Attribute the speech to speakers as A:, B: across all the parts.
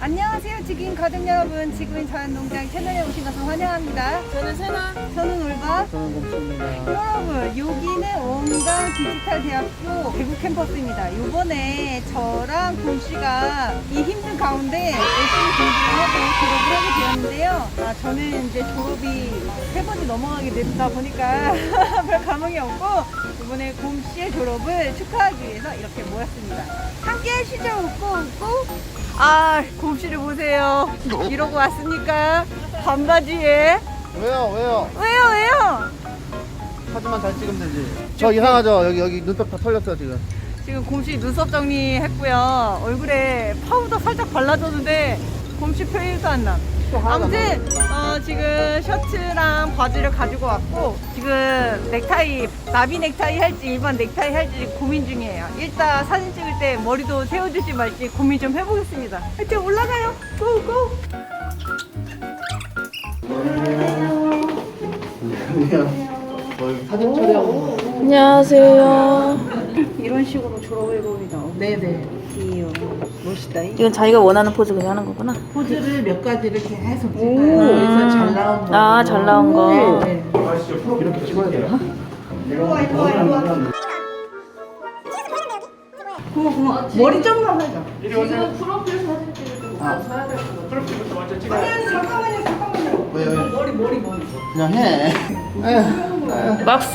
A: 안녕하세요, 지구인 가족 여러분. 지구인 자연농장 채널에 오신 것을 환영합니다.
B: 저는 세나.
A: 저는 올바.
C: 저는 곰치입니다.
A: 여러분, 여기는 원강 디지털 대학교 대구 캠퍼스입니다. 이번에 저랑 곰씨가 이 힘든 가운데 열심히 공부를 하고 졸업을 하게 되었는데요. 저는 이제 졸업이 3번이 넘어가게 됐다 보니까 별 감흥이 없고 이번에 곰씨의 졸업을 축하하기 위해서 이렇게 모였습니다. 함께 하시죠. 웃고 곰씨를 보세요. 이러고 왔으니까 반바지에
C: 왜요?
A: 왜요?
C: 사진만 잘 찍으면 되지. 저 이상하죠? 여기 눈썹 다 털렸어요 지금.
A: 지금 곰씨 눈썹 정리했고요. 얼굴에 파우더 살짝 발라줬는데 곰씨 표현도 안 나. 아무튼 지금 셔츠랑 바지를 가지고 왔고 지금 넥타이, 나비 넥타이 할지 일반 넥타이 할지 고민 중이에요. 일단 사진 찍을 때 머리도 세워주지 말지 고민 좀 해보겠습니다. 하여튼 올라가요. 고고.
C: 저희 사진 촬영.
B: 안녕하세요.
A: 이런 식으로 졸업을 해봅니다. 네네. 귀여워. 멋있다.
B: 이건 자기가 원하는 포즈 그냥 하는 거구나.
D: 포즈를 몇 가지를 계속
A: 오.
D: 찍어요. 그래서 잘 나온 거.
B: 아, 잘 나온 거.
D: 네.
C: 이렇게 찍어야 되나?
A: 이리와. 고마워. 머리 좀만 하자.
B: 지금 프로필 사진 찍을 때 사야 될 거 같아.
A: 아니, 잠깐만요.
C: 왜?
A: 머리.
C: 그냥 해.
B: 막스?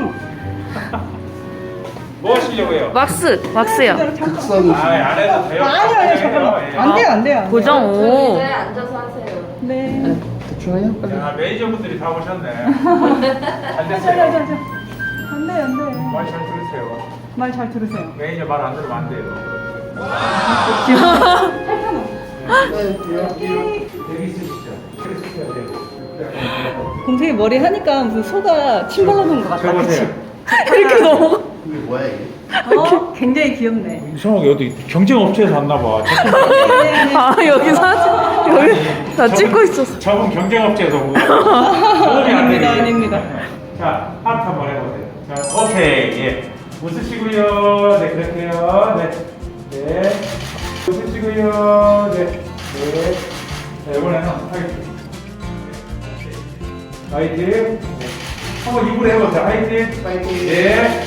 E: 뭐 하시려고요?
B: 막스요.
C: 극성이.
E: 안 해도 돼요.
A: 아니요, 잠깐만. 안 돼요.
B: 고정 오.
F: 앉아서 하세요.
A: 네.
C: 대충 해요? 빨리.
E: 야, 매니저분들이 다 오셨네. 잘 됐어요.
A: 안 돼.
E: 말 잘 들으세요.
A: 말 잘 들으세요.
E: 매니저 말 안 들으면 안 돼요. 여기 있으시죠? 여기 있으셔야 돼요.
A: 곰탱이 머리 하니까 무슨 소가 침 발라놓은 것 같다.
E: 저보세요.
A: 이렇게 너무.
C: 이게 뭐야 이게?
A: 굉장히 귀엽네.
E: 이상하게 어디 경쟁업체에서 왔나 봐.
B: 아, 여기 사진. 여기 다 찍고 있었어.
E: 저분 경쟁업체에서 온 거예요.
A: 아닙니다.
E: 자, 하트 한번 해보세요. 자, 오케이. 예. 웃으시고요. 네, 그렇게요. 네. 웃으시고요. 네. 자, 이번에는 화이팅. 화이팅. 한번 입으로 해보세요. 화이팅.
C: 파이팅.
E: 네.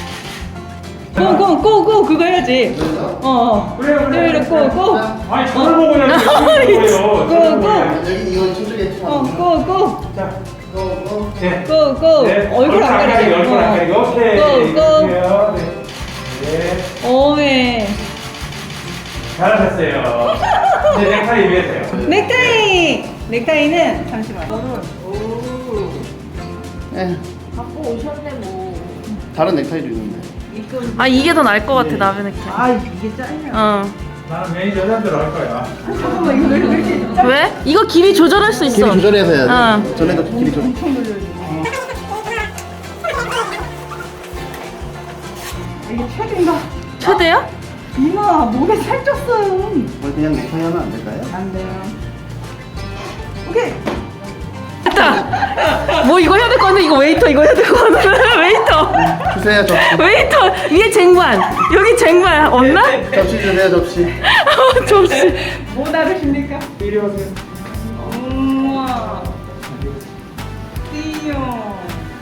A: 고 그거 해야지.
E: 그래요.
A: 고.
E: 아니, 저를 보고 해야지.
A: 고.
C: 여기 이건 저쪽에.
A: 고.
E: 자,
C: 고.
E: 네.
A: 고.
E: 네.
A: 얼굴 안 가리게.
E: 얼굴 안 가리게. 오케이.
A: 고.
E: 그래요. 네. 네.
A: 오메.
E: 잘하셨어요. 네, 넥타이 위에서요.
A: 넥타이는 잠시만.
F: 갖고 오셨네 뭐.
C: 다른 넥타이도 있는데.
B: 아, 이게 더 나을 것 같아, 나비 넥타이.
A: 이게 짱이야.
E: 나는 매니저 여자대로 할 거야.
A: 잠깐만, 이거 왜 이렇게
B: 왜? 이거 길이 조절할 수 있어.
C: 길이 조절해서 해야지.
B: 응.
C: 전에도 길이 조절.
A: 이게 최대인가?
B: 최대야?
A: 이마 목에 살쪘어요.
C: 뭘 그냥 넥타이 하면 안 될까요?
A: 안 돼요. 오케이.
B: 뭐 이거 해야 될 건데 이거 웨이터 이거 해야 될 건데 웨이터
C: 주세요 접시.
B: 웨이터 위에 쟁반 여기 쟁반 없나?
C: 접시 주세요 접시.
B: 접시.
A: 뭐 나르십니까?
E: 이리 오세요.
A: 우와. 띠용.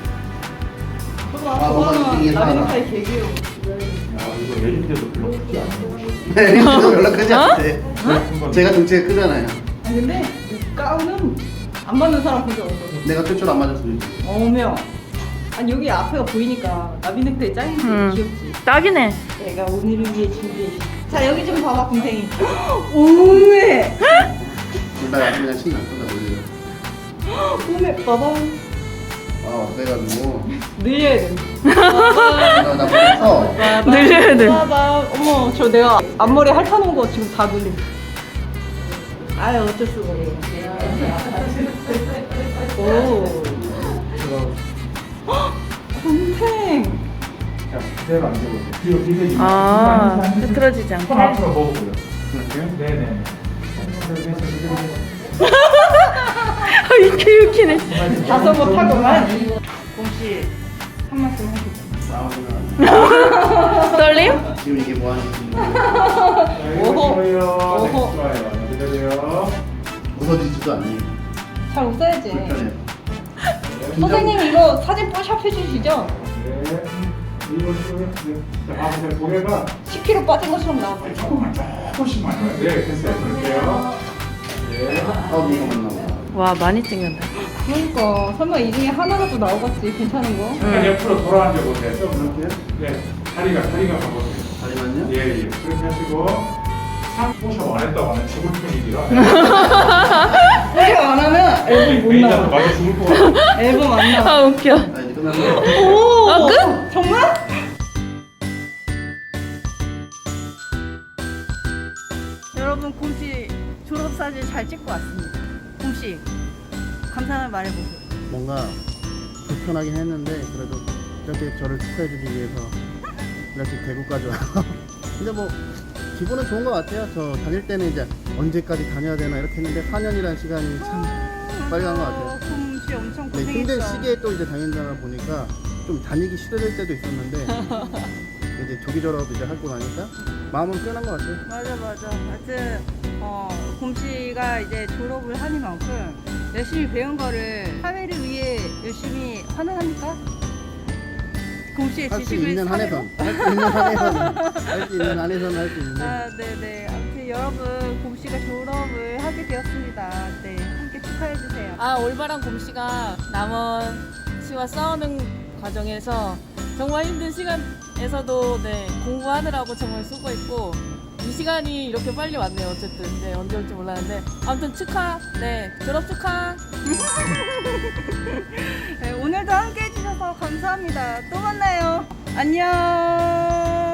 C: 뭔가 이게
A: 나비
C: 하나.
A: 넥타이 개 귀여워.
E: 이거 매니저도 별로 크지 않아.
C: 네, 별로 크지 않대. 제가 등치가 크잖아요.
A: 근데 이 가운은 안 맞는 사람 본 적 없거든.
C: 내가 최초로 안 맞을 수도 있어.
A: 어며. 아니 여기 앞에가 보이니까 나비 넥타이 짱인데 귀엽지.
B: 딱이네.
A: 내가 오늘을 위해 준비해. 자 여기 좀 봐봐 곰탱이. 오메.
C: 둘다 그냥 친다. 둘다 올려.
A: 오메 봐봐.
C: 아, 그래가지고
A: 늘려야 돼.
C: 나 보면서
B: 늘려야 돼.
A: 봐봐. 어머 저 내가 앞머리 핥아놓은 거 지금 다 늘림. 아유 어쩔 수가 없어. 오. 곰탱.
E: 자, 그대로 앉아보세요. 뒤로 비벼주세요.
B: 아, 흐트러지지 않게.
E: 손 앞으로 모으고요. 네네.
B: 이렇게 웃기네.
A: 다소 못하구만. 곰씨 한 말씀 해주세요.
C: 싸우면
B: 떨림?
C: 지금 이게 뭐 하는지.
E: 오호.
A: 오호.
E: 좋아요. 기다려요.
C: 웃어지지도 않네.
A: 잘 웃어야지.
C: 불편해.
A: 선생님 이거 사진 뽀샵 해주시죠?
E: 네. 이거 지금 자, 봐보세요. 고개가
A: 10kg 빠진 것처럼 나왔어요.
E: 조금씩만. 네, 됐어요. 그럴게요. 예.
C: 이거 맞나 봐.
B: 와 많이 찍는다.
A: 그러니까 설마 이 중에 하나라도 나오겠지 괜찮은 거?
E: 잠깐 옆으로 돌아앉아 보세요. 좀 이렇게. 네. 다리가 가보세요.
C: 다리만요?
E: 예, 예. 그렇게 하시고. 포샵 안 했다고 하면 죽을 뿐이라.
A: 이거 안 하면 앨범 못
E: 메이저도
A: 나와.
E: 많이 죽을 것 같아.
A: 앨범 안 나와.
B: 아 웃겨.
C: 아, 이제 끝났네.
A: 오!
B: 아, 끝?
A: 정말? 여러분 곰씨 졸업사진 잘 찍고 왔습니다. 곰씨 감사한 말 해보세요.
C: 뭔가 불편하긴 했는데 그래도 이렇게 저를 축하해주기 위해서 이렇게 대구까지 와서 근데 뭐 기분은 좋은 것 같아요. 저 다닐 때는 이제 언제까지 다녀야 되나 이렇게 했는데 4년이라는 시간이 참 빨리 간 것 같아요.
A: 곰씨 엄청
C: 네,
A: 고생했어.
C: 힘든 시기에 또 이제 다닌다 보니까 좀 다니기 싫어질 때도 있었는데 이제 조기 졸업 이제 하고 나니까 마음은 편한 것 같아요.
A: 맞아. 하여튼 곰씨가 이제 졸업을 하니만큼 열심히 배운 거를 사회를 위해 열심히 환원합니까? 곰씨의
C: 할 수
A: 지식을
C: 있는
A: 사회로?
C: 한에선 할 수 있는 한에선 할 수 있는 한에선 할 수 있는데
A: 아, 네네. 아무튼 여러분 곰씨가 졸업을 하게 되었습니다. 네, 함께 축하해 주세요.
B: 아 올바른 곰씨가 남원 씨와 싸우는 과정에서 정말 힘든 시간에서도 네 공부하느라고 정말 수고했고 이 시간이 이렇게 빨리 왔네요. 어쨌든 네 언제 올지 몰랐는데 아무튼 축하. 네 졸업 축하.
A: 네, 오늘도 함께 해주셔서 감사합니다. 또 만나요. 안녕.